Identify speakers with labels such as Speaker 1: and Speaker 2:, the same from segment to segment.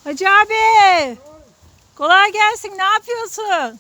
Speaker 1: Hacı abi. Kolay gelsin. Ne yapıyorsun?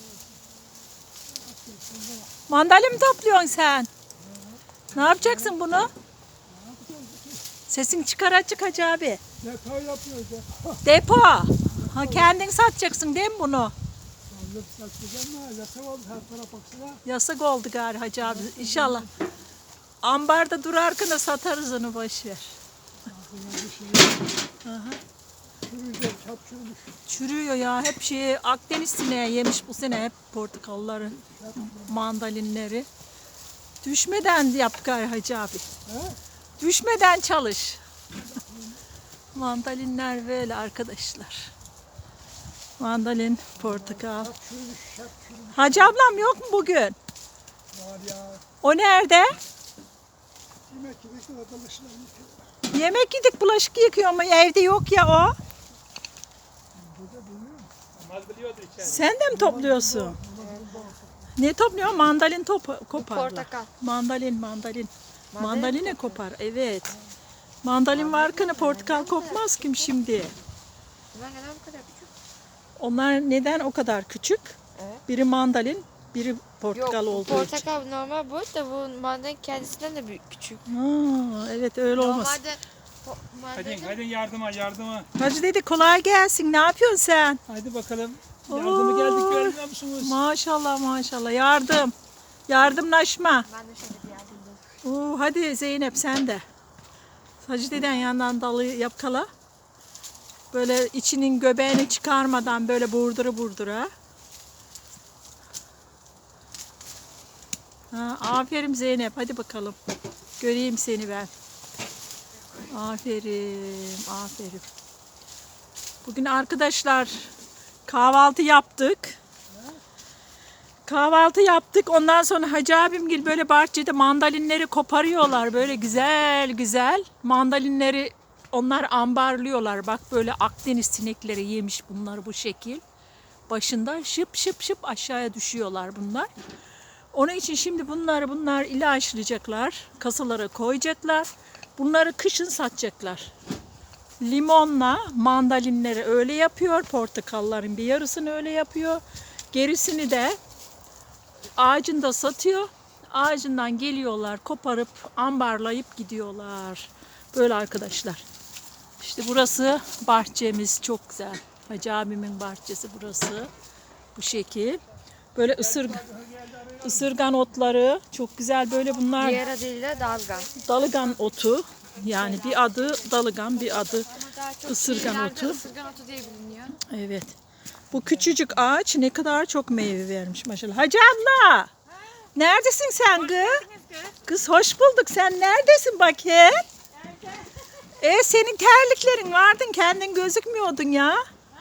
Speaker 1: Mandalina mı topluyorsun sen? Ne yapacaksın bunu? Sesin çıkar açık Hacı abi.
Speaker 2: Depo yapıyoruz.
Speaker 1: Depo. Ha, kendin satacaksın değil mi bunu?
Speaker 2: Sandık satacağım ama yasak oldu her tarafa baksana.
Speaker 1: Yasak oldu gari Hacı abi. İnşallah. Ambarda durarken de satarız onu boşver.
Speaker 2: Aklına bir şey yok. Çürüyecek, çap çürümüş.
Speaker 1: Çürüyor ya. Hep Akdeniz sineği yemiş bu sene hep portakalları, mandalinleri. Düşmeden yap gari Hacı abi.
Speaker 2: He?
Speaker 1: Düşmeden çalış. Mandalinler böyle arkadaşlar. Mandalin, portakal.
Speaker 2: Çap çürümüş, çap çürümüş.
Speaker 1: Hacı ablam yok mu bugün?
Speaker 2: Var ya.
Speaker 1: O nerede?
Speaker 2: Yemek yemek de arkadaşlar yıkıyor.
Speaker 1: Yemek yedik, bulaşık yıkıyor ama evde yok ya o.
Speaker 2: Burada bilmiyorum.
Speaker 1: Sen de mi topluyorsun? Ne topluyor? Mandalin koparlar.
Speaker 3: Portakal.
Speaker 1: Mandalin. Mandalina kopar, evet. Mandalin varken portakal kopmaz kim şimdi?
Speaker 3: Bunlar neden bu kadar küçük?
Speaker 1: Onlar neden o kadar küçük?
Speaker 3: Evet.
Speaker 1: Biri mandalin, biri portakal
Speaker 3: Yok,
Speaker 1: olduğu
Speaker 3: portakal normal boyut da bu mandalina kendisinden de büyük küçük.
Speaker 1: için. Ha, evet öyle olmaz.
Speaker 3: Normalde
Speaker 4: Hadi
Speaker 3: mandalina
Speaker 4: yardıma.
Speaker 1: Hacı dedi kolay gelsin. Ne yapıyorsun sen?
Speaker 4: Hadi bakalım.
Speaker 1: Oo.
Speaker 4: Yardıma geldik görmüyor musunuz?
Speaker 1: Maşallah. Yardım. Yardımlaşma.
Speaker 3: ben de şöyle bir yardımcı.
Speaker 1: Hadi Zeynep sen de. Hacı deden yandan dalı yapkala. Böyle içinin göbeğini çıkarmadan böyle burdura. Ha, aferin Zeynep. Hadi bakalım. Göreyim seni ben. Aferin. Bugün arkadaşlar kahvaltı yaptık. Ondan sonra Hacı abimgil böyle bahçede mandalinleri koparıyorlar. Böyle güzel. Mandalinleri onlar ambarlıyorlar. Bak böyle Akdeniz sinekleri yemiş bunları bu şekil. Başında şıp aşağıya düşüyorlar bunlar. Onun için şimdi bunlar ilaçlayacaklar. Kasalara koyacaklar. Bunları kışın satacaklar. Limonla mandalinleri öyle yapıyor. Portakalların bir yarısını öyle yapıyor. Gerisini de ağacında satıyor. Ağacından geliyorlar, koparıp ambarlayıp gidiyorlar. Böyle arkadaşlar. İşte burası bahçemiz çok güzel. Hacı abimin bahçesi burası. Bu şekil. Böyle ısırgan otları çok güzel böyle bunlar.
Speaker 3: Diğer adıyla dalga.
Speaker 1: Dalıgan otu. Yani bir adı dalıgan, bir adı
Speaker 3: Ama daha çok
Speaker 1: Isırgan
Speaker 3: şehirlerde
Speaker 1: otu.
Speaker 3: Isırgan otu diye biliniyor.
Speaker 1: evet. Bu küçücük ağaç ne kadar çok meyve vermiş maşallah. Hacı abla. Neredesin sen kız? Kız hoş bulduk. Sen neredesin bakayım? Senin terliklerin vardın. Kendin gözükmüyordun ya.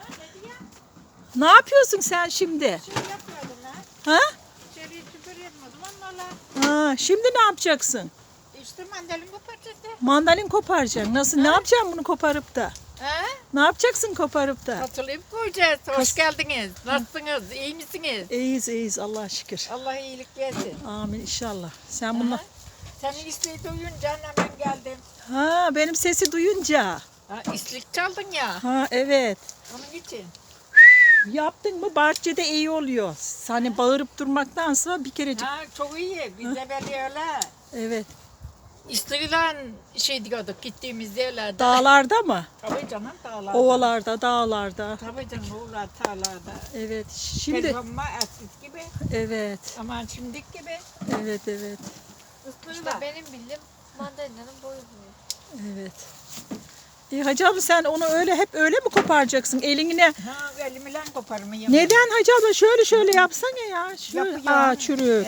Speaker 1: Ne yapıyorsun sen şimdi?
Speaker 5: Yapıyordum lan.
Speaker 1: Ha?
Speaker 5: İçeriye süpürüyordum o zaman valla.
Speaker 1: Şimdi ne yapacaksın?
Speaker 5: İşte mandalin bu parçası.
Speaker 1: Mandalin koparacaksın. Nasıl? Ne yapacaksın bunu koparıp da?
Speaker 5: He?
Speaker 1: Ne yapacaksın koparıp da?
Speaker 5: Hatırlayıp koyacağız. Hoş geldiniz. Nasılsınız? İyi misiniz?
Speaker 1: İyiyiz Allah'a şükür.
Speaker 5: Allah iyilik versin.
Speaker 1: Amin inşallah. Sen bunlar...
Speaker 5: Senin isteği duyunca hemen geldim.
Speaker 1: Ha, benim sesi duyunca.
Speaker 5: Ha, islik çaldın ya.
Speaker 1: Ha, evet.
Speaker 5: Onun için.
Speaker 1: Yaptın mı bahçede iyi oluyor. Hani bağırıp durmaktansa bir kerecik.
Speaker 5: Ha, çok iyi. Biz de böyle öyle.
Speaker 1: Evet.
Speaker 5: İstiyle şey diyorduk gittiğimiz yerlerde.
Speaker 1: Dağlarda mı?
Speaker 5: Tabii canım dağlarda.
Speaker 1: Ovalarda, dağlarda.
Speaker 5: Tabii canım ovalar, tarlarda.
Speaker 1: Evet. Şimdi
Speaker 5: Telefonuma eski gibi.
Speaker 1: evet.
Speaker 5: Aman şimdiki gibi.
Speaker 1: Evet.
Speaker 3: Isırgan benim bildiğim mandalina'nın boyu büyük.
Speaker 1: Evet. Hacı abla sen onu hep öyle mi koparacaksın eline?
Speaker 5: Ha, elimle koparımı
Speaker 1: Neden Hacı abla şöyle yapsana ya. Şöyle.
Speaker 5: Yapıyor.
Speaker 1: Çürük.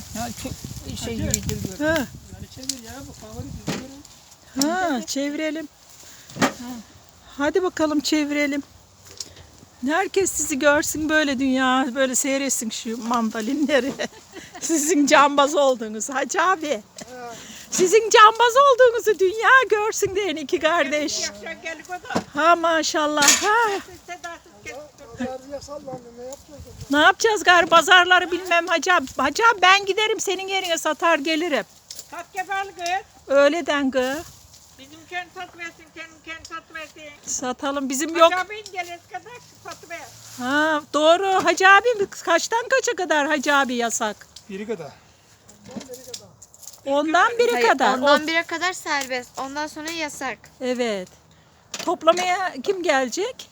Speaker 5: Şey yediriyor.
Speaker 1: Ha.
Speaker 4: Yani çevir ya bu favori düzgün.
Speaker 1: Çevirelim. Hadi bakalım çevirelim. Herkes sizi görsün böyle dünya, böyle seyretsin şu mandalinleri. Sizin cambaz olduğunuz Hacı abi. Sizin cambaz olduğunuzu dünya görsün diyen iki kardeş.
Speaker 5: Yaşa gelip o da.
Speaker 1: Ha maşallah. Ha.
Speaker 5: Sedasız kestim.
Speaker 2: Pazarcıya sallandı, ne yapacağız?
Speaker 1: Ne yapacağız gari pazarları bilmem Hacı abi. Hacı abi ben giderim senin yerine satar gelirim.
Speaker 5: Tat yapar kız.
Speaker 1: Öyleden gı.
Speaker 5: Bizim kendi tat versin, kendi tat versin.
Speaker 1: Satalım. Bizim yok.
Speaker 5: Hacı abin gelene kadar satıver.
Speaker 1: Ha, doğru. Hacı abi kaçtan kaça kadar Hacı abi yasak?
Speaker 2: Biri kadar.
Speaker 1: Ondan biri
Speaker 3: Hayır,
Speaker 1: kadar.
Speaker 3: ondan bire kadar serbest. Ondan sonra yasak.
Speaker 1: Evet. Toplamaya kim gelecek?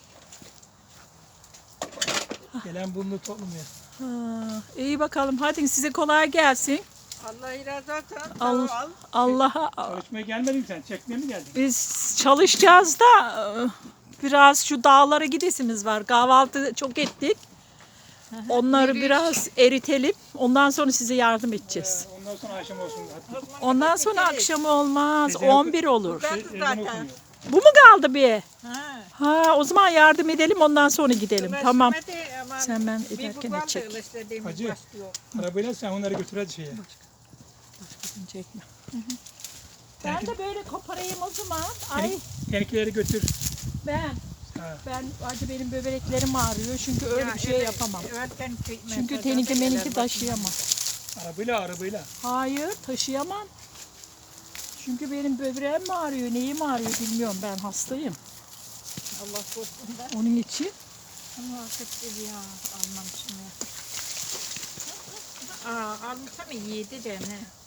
Speaker 2: Gelen bulunur toplumaya.
Speaker 1: Ha, iyi bakalım. Hadi size kolay gelsin.
Speaker 5: Allah razı olsun.
Speaker 1: Allah Allah'a
Speaker 2: Çalışmaya gelmedin mi sen? Çekmeye mi geldin?
Speaker 1: biz çalışacağız da biraz şu dağlara gidesimiz var. Kahvaltı çok ettik. Onları biraz eritelim. Ondan sonra size yardım edeceğiz.
Speaker 2: Ondan sonra akşam olsun. Hadi.
Speaker 1: Ondan sonra akşam olmaz.
Speaker 2: Ezan
Speaker 1: 11 olur.
Speaker 2: Ezan okunuyor.
Speaker 1: Bu mu kaldı bir?
Speaker 5: Ha.
Speaker 1: Ha, o zaman yardım edelim ondan sonra gidelim. Tamam. Sen ben
Speaker 5: Bir
Speaker 1: ederken
Speaker 5: bu
Speaker 1: de çek.
Speaker 2: Hacı.
Speaker 5: başlıyor.
Speaker 2: Arabayla sen onları götür hadi şeye.
Speaker 1: Çekme. Ben de böyle koparayım o zaman. Ay
Speaker 2: Seninkileri götür.
Speaker 1: ben.
Speaker 2: Ha.
Speaker 1: Hadi benim böbreklerim ağrıyor çünkü öyle bir şey yapamam. Çünkü teninki taşıyamam.
Speaker 2: Arabayla.
Speaker 1: Hayır taşıyamam. Çünkü benim böbreğim mi ağrıyor, neyim ağrıyor bilmiyorum. Ben hastayım.
Speaker 5: Allah korusun da.
Speaker 1: Onun için.
Speaker 5: Ama kötü ya. Almamışım ya. Aa, almışsam iyiydi de ne?